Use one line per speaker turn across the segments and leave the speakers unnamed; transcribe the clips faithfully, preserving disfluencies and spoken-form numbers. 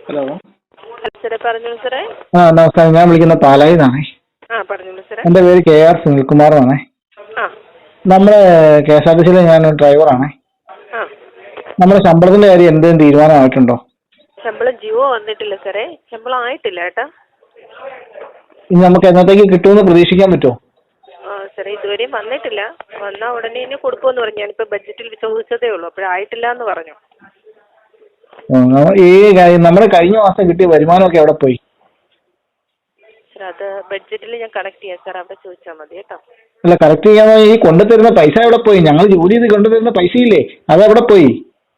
Hello
സാറേ പറഞ്ഞോളൂ സാറേ.
ആ നമസ്കാരം, ഞാൻ വിളിക്കുന്ന പാലായിൽ നിന്നാണേ.
ആ പറഞ്ഞോളൂ സാറേ.
എൻ്റെ പേര് കെ ആർ സുനിൽകുമാർ എന്നാണേ.
ആ
നമ്മുടെ കെ എസ് ആർ ടി സിയിലെ ഞാൻ ഡ്രൈവറാണേ.
ആ
നമ്മുടെ ശമ്പളത്തിന്റെ കാര്യം എന്തെങ്കിലും തീരുമാനമായിട്ടുണ്ടോ?
ശമ്പളം ജിയോ വന്നിട്ടില്ല സാറേ, ശമ്പളം ആയിട്ടില്ല ഏട്ടാ.
ഇനി നമുക്ക് എന്നത്തേക്ക് കിട്ടുമെന്ന് പ്രതീക്ഷിക്കാൻ പറ്റുമോ?
ആ സാറേ ഇതുവരെയും വന്നിട്ടില്ല. വന്നാൽ ഉടനെ തന്നെ കൊടുക്കുമെന്ന് പറഞ്ഞു. ഞാനിപ്പോൾ ബഡ്ജറ്റിൽ ചോദിച്ചതേ ഉള്ളൂ, അപ്പോഴായിട്ടില്ല എന്ന് പറഞ്ഞു.
ഈ കാര്യം നമ്മുടെ കഴിഞ്ഞ മാസം കിട്ടിയ വരുമാനമൊക്കെ എവിടെ പോയി?
സാർ അത് ബഡ്ജറ്റിൽ ഞാൻ കണക്ട് ചെയ്യാം സാർ, അവിടെ ചോദിച്ചാൽ മതി കേട്ടോ.
അല്ല, കറക്റ്റ് ചെയ്യാൻ ഈ കൊണ്ടുതരുന്ന പൈസ എവിടെ പോയി? ഞങ്ങൾ ജോലി ചെയ്ത് കൊണ്ടുതരുന്ന പൈസയില്ലേ, അതെവിടെ പോയി?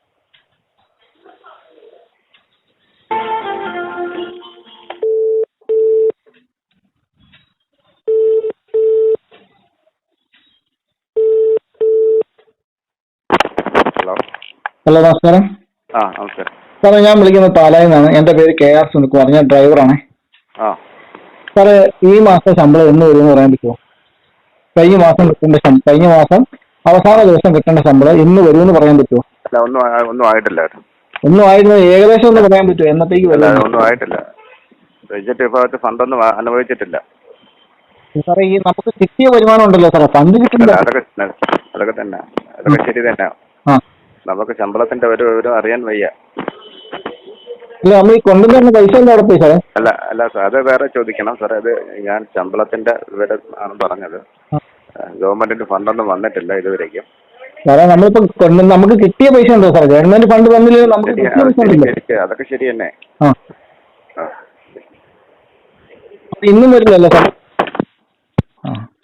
ഹലോ
ഹലോ നമസ്കാരം.
ആ നമസ്കാരം
സാറേ, ഞാൻ വിളിക്കുന്നത് പാലായിൽ നിന്നാണ്. എൻ്റെ പേര് കെ ആർ സുനിൽകുമാർ, ഞാൻ ഡ്രൈവറാണേ.
ആ
സാറേ, ഈ മാസത്തെ ശമ്പളം എന്ന് വരുമെന്ന് പറയാൻ പറ്റുമോ? കഴിഞ്ഞ മാസം കിട്ടേണ്ട ശമ്പളം, കഴിഞ്ഞ മാസം അവസാന ദിവസം കിട്ടേണ്ട ശമ്പളം ഇന്ന് വരുമെന്ന് പറയാൻ പറ്റുമോ?
അല്ല, ഒന്നും ആ- ഒന്നും ആയിട്ടില്ല.
ഒന്നും ആയിരുന്നു, ഏകദേശം ഒന്ന് പറയാൻ പറ്റുമോ എന്നത്തേക്ക്
അല്ല,
വരും?
ഒന്നും ആയിട്ടില്ല. ബഡ്ജറ്റ് വിഭാഗത്തിൽ ഫണ്ടൊന്നും ആ- അനുവദിച്ചിട്ടില്ല.
സാറേ, ഈ നമുക്ക് കിട്ടിയ വരുമാനം ഉണ്ടല്ലോ സാറേ, ഫണ്ട്
അല്ല,
കിട്ടുന്നില്ല.
അതൊക്കെ അതൊക്കെ തന്നെ അതൊക്കെ ശരി തന്നെ.
ആ
നമുക്ക് ശമ്പളത്തിന്റെ ഒരു വിവരം അറിയാൻ വയ്യ.
ഇല്ല, നമ്മൾ ഈ കൊണ്ടുവരുന്ന പൈസ എന്താ അവിടെ പോയി സാറേ?
അല്ല അല്ല സാർ, അത് വേറെ ചോദിക്കണം സാറേ. അത് ഞാൻ ശമ്പളത്തിന്റെ വിവരം ആണ് പറഞ്ഞത്. ഗവൺമെന്റിന്റെ ഫണ്ടൊന്നും വന്നിട്ടില്ല ഇതുവരേക്കും.
സാറേ, നമ്മളിപ്പോ കൊണ്ട് നമുക്ക് കിട്ടിയ പൈസ ഉണ്ടോ സാറേ? ഗവൺമെന്റ് ഫണ്ട് തന്നില്ലെങ്കിൽ നമുക്ക്
ശരി,
കിട്ടിയ
അത്
പൈസ
ശരി,
ഉണ്ടല്ലോ.
ശരി, അതൊക്കെ ശരി തന്നെ.
ആ
ആ
അപ്പൊ ഇന്നും വരില്ലല്ലോ സാർ? ആ